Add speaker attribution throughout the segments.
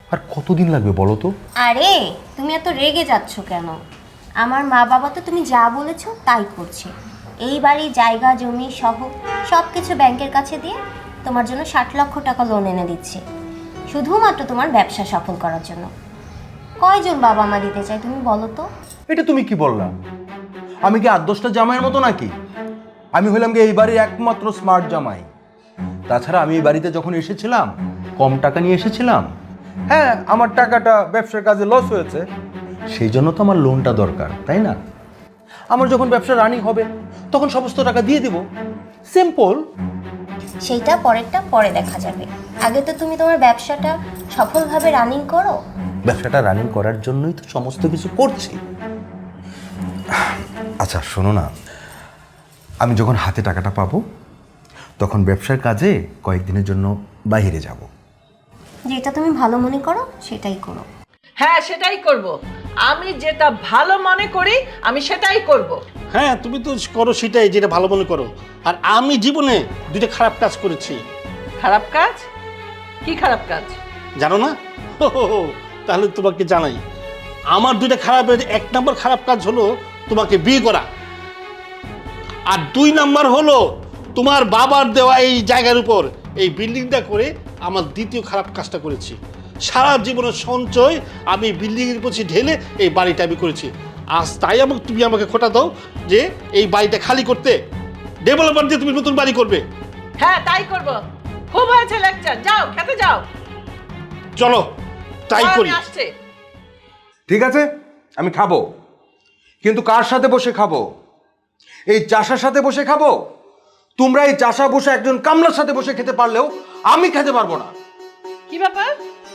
Speaker 1: আর কতদিন লাগবে বলো তো?
Speaker 2: আরে তুমি এত রেগে যাচ্ছ কেন? আমার মা বাবা তো তুমি যা বলেছো তাই করছে। এই বাড়ি জায়গা জমি সহ সব কিছু ব্যাংকের কাছে দিয়ে তোমার জন্য 60 লক্ষ টাকা লোন এনে দিচ্ছে, শুধুমাত্র তোমার ব্যবসা সফল করার জন্য। কয়জন বাবা মা দিতে চায় তুমি বলো তো?
Speaker 1: এটা তুমি কি বললা? আমি কি 8-10টা জামাইয়ের মতো নাকি? আমি হইলাম কি এই বাড়ির একমাত্র স্মার্ট জামাই। তাছাড়া আমি এই বাড়িতে যখন এসেছিলাম কম টাকা নিয়ে এসেছিলাম। হ্যাঁ, আমার টাকাটা ব্যবসার কাজে লস হয়েছে, সেই জন্য তো আমার লোনটা দরকার, তাই না? আমার যখন ব্যবসা রানিং হবে তখন সমস্ত টাকা দিয়ে দিব, সিম্পল।
Speaker 2: সেইটা পরেরটা পরে দেখা যাবে, আগে তো তুমি তোমার ব্যবসাটা সফলভাবে রানিং করো।
Speaker 1: ব্যবসাটা রানিং করার জন্যই তো সমস্ত কিছু করছি। আচ্ছা শোনো না, আমি যখন হাতে টাকাটা পাবো তখন ব্যবসার কাজে কয়েকদিনের জন্য বাইরে যাব।
Speaker 2: যেটা তুমি ভালো মনে করো সেটাই করো।
Speaker 3: হ্যাঁ, সেটাই করব। আমি যেটা ভালো মনে করি আমি সেটাই করব।
Speaker 4: হ্যাঁ, তুমি তো করো সেটাই যেটা ভালো মনে করো। আর আমি জীবনে দুটো খারাপ কাজ করেছি।
Speaker 3: খারাপ কাজ? কি খারাপ কাজ?
Speaker 4: জানো না? তাহলে তোমাকে জানাই। আমার দুইটা খারাপের 1 নম্বর খারাপ কাজ হলো তোমাকে বিয়ে করা, আর 2 নম্বর হলো তোমার বাবার দেওয়া এই জায়গার উপর এই বিল্ডিংটা করে আমার দ্বিতীয় খারাপ কাজটা করেছি। সারা জীবনের সঞ্চয় আমি বিল্ডিংয়ের পিছনে ঢেলে এই বাড়িটা আমি করেছি। আজ তাই তুমি আমাকে খোটা দাও যে এই বাড়িটা খালি করতে, ডেভেলপার দিয়ে তুমি নতুন বাড়ি করবে।
Speaker 3: হ্যাঁ, তাই করব। খুব হয়েছে লেকচার, যাও খেতে যাও।
Speaker 4: চলো তাই করি।
Speaker 3: আসছে।
Speaker 1: ঠিক আছে, আমি খাবো, কিন্তু কার সাথে বসে খাবো? এই চাষার সাথে বসে খাবো? তোমরা এই চাষা বসে একজন কামলার সাথে বসে খেতে পারলেও আমি খেতে পারবো না।
Speaker 3: কি ব্যাপার?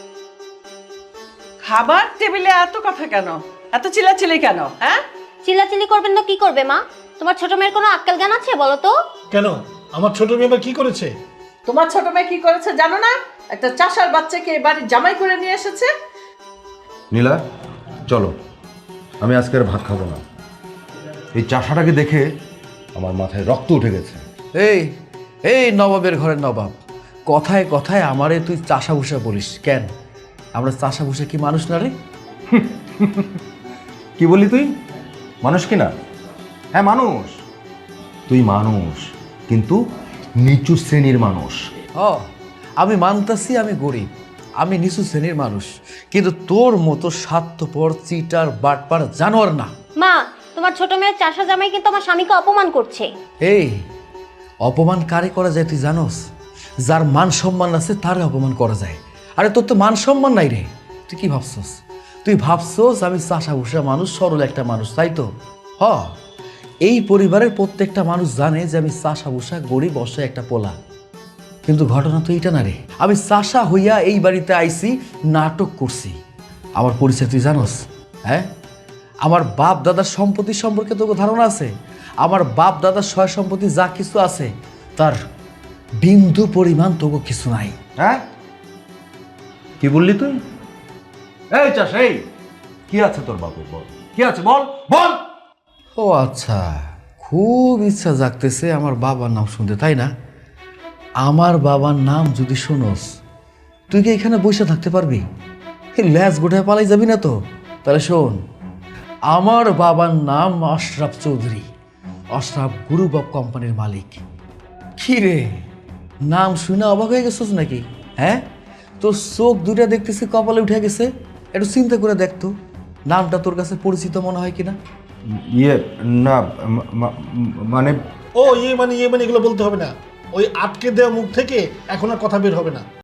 Speaker 3: খাবার টেবিলে এত কথা কেন? এত চিল্লাচিল্লি কেন? হ্যাঁ,
Speaker 2: চিল্লাচিল্লি করবেন না কি করবে মা? তোমার ছোট মেয়ের কোনো আক্কেল জ্ঞান আছে বলো তো?
Speaker 4: কেন, আমার ছোট মেয়ে আবার কি করেছে?
Speaker 3: তোমার ছোট মেয়ে কি করেছে জানো না? একটা চাষার বাচ্চাকে বাড়ির জামাই করে নিয়ে এসেছে।
Speaker 1: নীলা, চলো, আমি আজকে আর ভাত খাবো না। এই চাষাটাকে দেখে আমার মাথায় রক্ত উঠে গেছে।
Speaker 5: এই এই নবাবের ঘরের নবাব, কথায় কথায় আমারে তুই চাষা ভুষা বলিস কেন? আমরা চাষা ভুষা কি মানুষ না রে?
Speaker 1: কি বলি তুই? মানুষ কি না? হ্যাঁ মানুষ, তুই মানুষ, কিন্তু নিচু শ্রেণীর মানুষ।
Speaker 5: ও, আমি মানতাছি আমি গরিব, আমি নিচু শ্রেণীর মানুষ, কিন্তু তোর মতো স্বার্থপর চিটার বাটপার জানোয়ার না।
Speaker 2: মা, তোমার ছোট মেয়ের চাষা জামাই কিন্তু আমার স্বামীকে অপমান করছে।
Speaker 5: এই অপমান কারে করা যায় তুই জানোস? যার মান সম্মান আছে তারে অপমান করা যায়। আরে তোর তো মান সম্মান নাই রে, তুই কি ভাবছস? তুই ভাবছস আমি চাষা ভুষা মানুষ, সরল একটা মানুষ, তাই তো? হ, এই পরিবারের প্রত্যেকটা মানুষ জানে যে আমি চাষা ভুষা গরিব অসহায় একটা পোলা। কিন্তু ঘটনা তো এইটা না রে, আমি চাষা হইয়া এই বাড়িতে আইছি, নাটক করছি। আমার পরিচয় তুই জানোস? হ্যাঁ, আমার বাপ দাদার সম্পত্তি সম্পর্কে তোকে ধারণা আছে? আমার বাপ দাদার সয় সম্পত্তি যা কিছু আছে তার বিন্দু পরিমাণ তোকে কিছু নাই।
Speaker 1: হ্যাঁ, কি বললি তুই? এই চাষ, এই কি আছে তোর বাপের? বল, কি আছে বল বল।
Speaker 5: ও আচ্ছা, খুব ইচ্ছা জাগতেছে আমার বাবার নাম শুনতে, তাই না? আমার বাবার নাম যদি শোনস, তুই কি এখানে বসে থাকতে পারবি? ল্যাজ গোটায় পালাই যাবি না তো? তাহলে শোন, আমার বাবার নাম আশরাফ চৌধুরী, আশরাফ গ্রুপ অফ কোম্পানির মালিক। কি রে, নাম শুনে অবাক হয়ে গেছিস নাকি? হ্যাঁ, তোর চোখ দুটা দেখতেছি কপালে উঠে গেছে। একটু চিন্তা করে দেখতো নামটা তোর কাছে পরিচিত মনে হয় কিনা।
Speaker 1: ইয়ে না, মানে
Speaker 4: ও ইয়ে মানে এগুলো বলতে হবে না। ওই আটকে দেওয়া মুখ থেকে এখন আর কথা বের হবে না।